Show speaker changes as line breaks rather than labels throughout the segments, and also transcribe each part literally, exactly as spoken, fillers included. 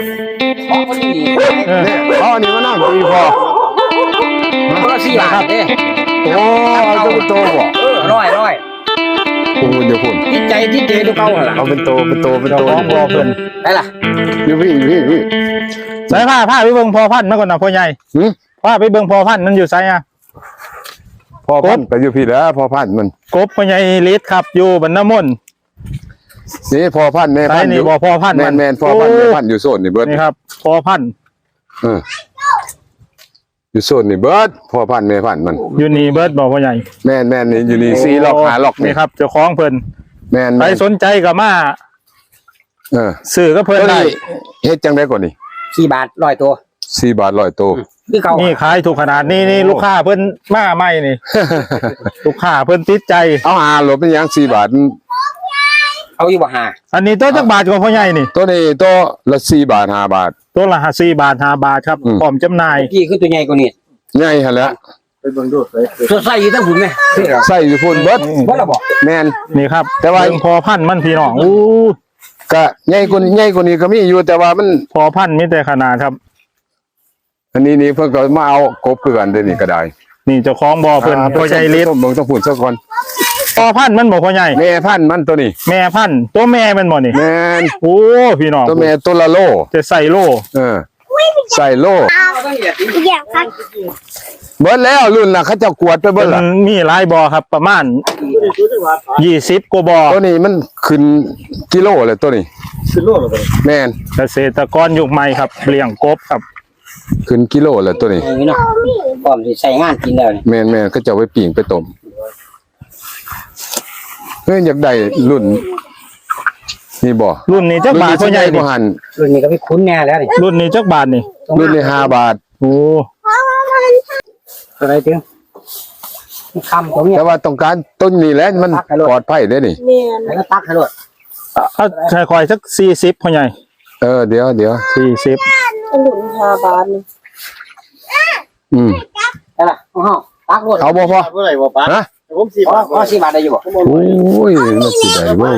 เพราะคนนี้
เนี่ยพ่อนี่มานั่งตีพอ
คนละสี่บาทเด้
โอ้เอาจะเป็นโตบ่
เออร้อยร้อย
คุณคุณจะคุณ
ที่ใจที่เจดูเก่าเหรอ
เอาเป็นโตเป็นโตเป็นโต
พอเพิ่น
ได้ล่ะ
อยู่พี่อยู่พี่อยู่พี่
สายผ้าผ้าไปเบิ่งพอพันธุ์มาก่อนนะพ่อใหญ่
หืม
ผ้าไปเบิ่งพอพันธุ์มันอยู่ไสอ่ะ
พอพันก็อยู่พี่แล้วพอพันมัน
กบพ่อใหญ่ฤทธิ์ครับอยู่บรรณมนต์
นี่พอพันแม่
ไส
พันอ
นี่
ยู่
บ่พอพันธุ์
แม
มัน
แมนพอพันแม่พันอยู่โซนนี่เบิร์ด
นี่ครับพอพันธุ์
เอออยู่โซนนี่เบิร์ดพอพันแม่พันมัน
อยู่นี่เบิดบ่พ่อใหญ่
แมนแมนนี่อยู่นี่ซีล็อกหาล็อก
นี่ครับเจ้าของเพิ่น
แมน
ใค
แม
ร
น
สนใจก็มา
เออ
ซื้อก็เพิ่น
ตัว
ได้
นี้เฮ็ดจังได้ก่อนนี่
สี่บาทร้อยตัว
สี่บาทร้อยตัว
คือเก่า
นี่ขายถูกขนาดนี้นี่ลูกค้าเพิ่นมาใหม่นี่ ลูกค้าเพิ่นติดใจ
เอาหาหลบเป็นหยังสี่บาท
เอาอยู่บ่หา
อันนี้ตัวจักบาทของพ่อใหญ่นี่
ตัวนี้ตัวละสี่บาทห้าบาท
ตัวละสี่บาทห้าบาทครับ
อืม
พร้อมจำหน่าย
พี่คือตัวใหญ่กว่านี้
ใหญ่หั่นแหละ
ตัวใส่อยู่ทั้งหุ่นไหม
ใส่อยู่พุ่นเบิด
บ่ละบ่
แมน
นี่ครับ
แต่ว่า
เบิ่งพอพันธุ์มันพี่น้องอู้
ก็ใหญ่กว่านี้ใหญ่กว่านี้ก็มีอยู่แต่ว่ามัน
พอพันธุ์มีแต่ขนาดครับ
อันนี้นี่เพิ่นก็มาเอากบคือกันเด้อนี่ก็ได้
นี่เจ้าของบ่อเพิ่นพ่อใหญ่ฤทธิ์
ต้องต้องพูดซะก่อน
พอพันธุ์มันบ่พ่อใหญ่
แม่พันธุ์มันตัวนี้
แม่พันธุ์ตัวแม่มันบ่นี่
แม่น
โอ้พี่น้อง
ตัวแม่ตัวละโล
จะใส่โล่
เออใส่โล
อยากพัก
เบิดแล้วรุ่นน่ะเขาเจะกวดไปเบิด
มั
ล่ะ
นมีหลายบ่อครับประมาณยี่สิบกว่าบ่อ
ตัวนี้มันขึ้นกิโลเลยตัวนี้ขึ้นโลเลยแม่น
เกษตรกรยุคใหม่ครับเลี้ยงกบครับ
ขึ้นกิโลเลยตัวนี้
อย่างนี้เนาะพร้อมสิใส่งานกินแล้วนี่
แม่นแม่นเขาจะเอาไว้ปิ้งไปต้มเฮ้ยอยากได้รุ่นนี่บ่
รุ่นนี้จักบาทพ่อใหญ่
บ่
นี่
หัน
รุ่นนี้ก็ไม่คุ้นแน่แล้วนี่
รุ่นนี้จักบาทนี่
รุ่นนี้ห้าบาท
โอ้
อะไรถึงคำของเนี่ย
แต่ว่าต้องการต้นนี้แหละมันปลอดภัยเด้อนี่
เมียน
แล้วก็ตักให้รถ
เอาใช้คอยสักสี่สิบพ่อใหญ่
เออเดี๋ยวเดี๋ยว
สี่สิบ
ขนุนฮาบานนี่
อืม
ได้ล่ะของเฮาตักรถ
เอาบ่พอ
เมื่อไหร่บ่ป้า
ฮะ
ผมสี่
อ๋อบ
าท
อ๋อสี่บาทได้อยู่บ่
โอ้ยมันสิได้บ่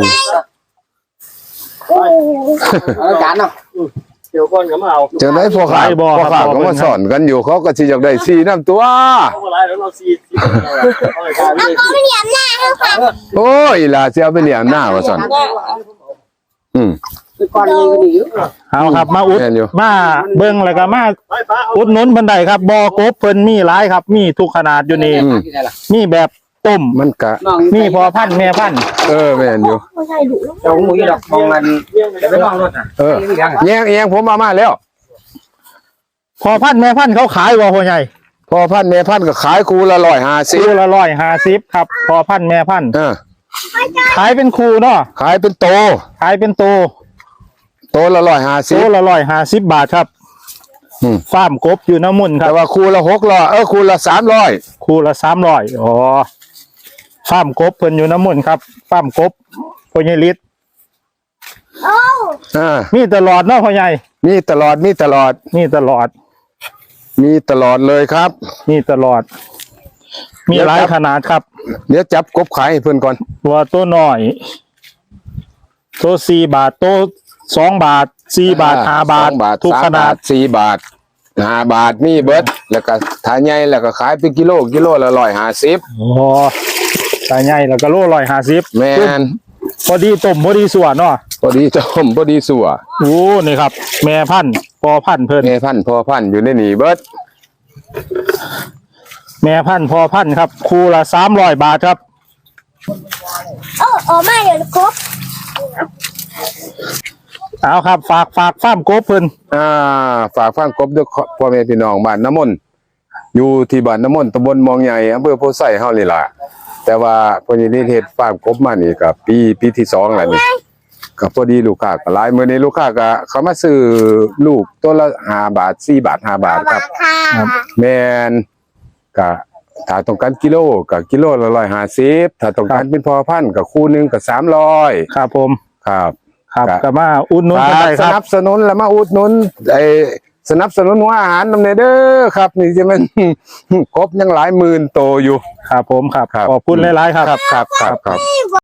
เอาจานเนาะ
เดี๋ยวก่อนก็มาเอา
จังได๋พ่อข้าพ่อข้าก็มาสอนกันอยู่เขาก็สิอยากได้ซีน้ำตัว
เอาอะไรแล้วเราสี่สี่เอาอะไรกันเลย
ไม่เหนียมหน้าเขาค่ะ
โอ้ยล่ะสิเอาไปเลี้ยงหน้าว่าซั่นอืม
คือก่อนนี้ก็ดีอยู่
เอาครับมาอุด
แม่นอยู่
มาเบิ่งแล้วก็มา
ไปป้าเอา
อุดหนุนเพิ่นได้ครับบ่อกบเพิ่นมีหลายครับ มีทุกขนาดอยู่นี่
อืม
ได้ล่ะ
มีแบบต้ม
มันก็
น้อง
มีพอพันธุ์แม่พันธุ์
เออแม่นอยู่
ไม่ใช่ดุแล้ว
เจ้าหมูอยู่ดอกมองมันจะไปลองรถน่ะ
เออแยงแยงผมมามาแล้ว
พอพันธุ์แม่พันธุ์เขาขายบ่พ่อใหญ่
พอพันแม่พันก็ขายคูละร้อยห้าสิบ
คู่ละร้อยห้าสิบครับ พอพันธุ์แม่พันธุ์
เออ
ขายเป็นคู่เนาะ
ขายเป็นโต
ขายเป็นโต
โตละร้อยห้าสิ
โต
บ
ละร้อยห้าสิบบาทครับ
อืม
ฟาร์มกบอยู่น้ำมุนครั
แต่
บ
ว่าคูละหกร้อยเออคูละสามร้อย
คู่ละสามร้อยอ๋อฟาร์มกบเพิ่นอยู่น้ำมุนครับฟาร์มกบพ่อใหญ่ฤทธิ์
อ่า
มีตลอดเนาะพ่อใหญ่
มีตลอดมีตลอด
มีตลอด
มีตลอดเลยครับ
มีตลอด มีหลายขนาดครับ
เดี๋ยวจับกบขายให้เพื่อนก่อน
ตัวตัวน้อยตัวสี่บาทตัวสองบาทสี่บาทห้าบาท
สองบาท
ทุก
สาม
ขนา
บา
ด
ทสี่บาทห้าบาทมีเบิดแล้วก็ถ้าใหญ่แล้วก็ขายเป็นกิโลกิโลละร้อยห้าสิบ
อ๋อตาใหญ่แล้วก็โลร้อยห้าสิบ
แมน
พอดีต้มพอดีส่วนเนาะ
พอดีต้มพอดีสัว
โอ้นี่ครับ แม่พันธุ์พอพันธุ์เพิ่น
แม่พันธุ์พ่อพันธุ์อยู่ในนี่เบิด
แม่พันธุ์พอพันธุ์ครับคู่ละสามร้อยบาทครับ
เออออกมาเดี๋ยวครบ
เอาครับ ฝากฝากฟาร์มกบเพิ่น
อ่าฝากฟังกบด้วยพ่อแม่พี่น้องบ้านน้ำมนต์อยู่ที่บ้านน้ำมนต์ตำบลมองใหญ่อำเภอโพไซเฮานี่ล่ะแต่ว่าพอดีนี่เฮ็ดฟาร์มกบมานี่ก็ปีปีที่สองแล้วนี่ก็พอดีลูกค้าก็หลายมื้อนี้ลูกค้าก็เขามาซื้อลูกตัวละห้าบาทสี่บาทห้าบาทครับ
ค่ะ
แม่นก็ถ้าต้องการกิโลก็กิโลละร้อยห้าสิบถ้าต้องการเป็นพอพันธุ์ก็คู่หนึงก็สามร้อย
ครับผม
ครับ
ครับ
ครับ
ก็มาอุดหนุนกันได้
ส
ครั
นั
บบ
สนุนแล้วมาอุดหนุนไอ้สนับสนุนหัวอาหารนำเนเด้อครับ นี่จะมัน ครบยังหลายหมื่นโตอยู่
ครับผมครับ
ครับ
ขอบคุณหลายๆครับ
ครับครับครับ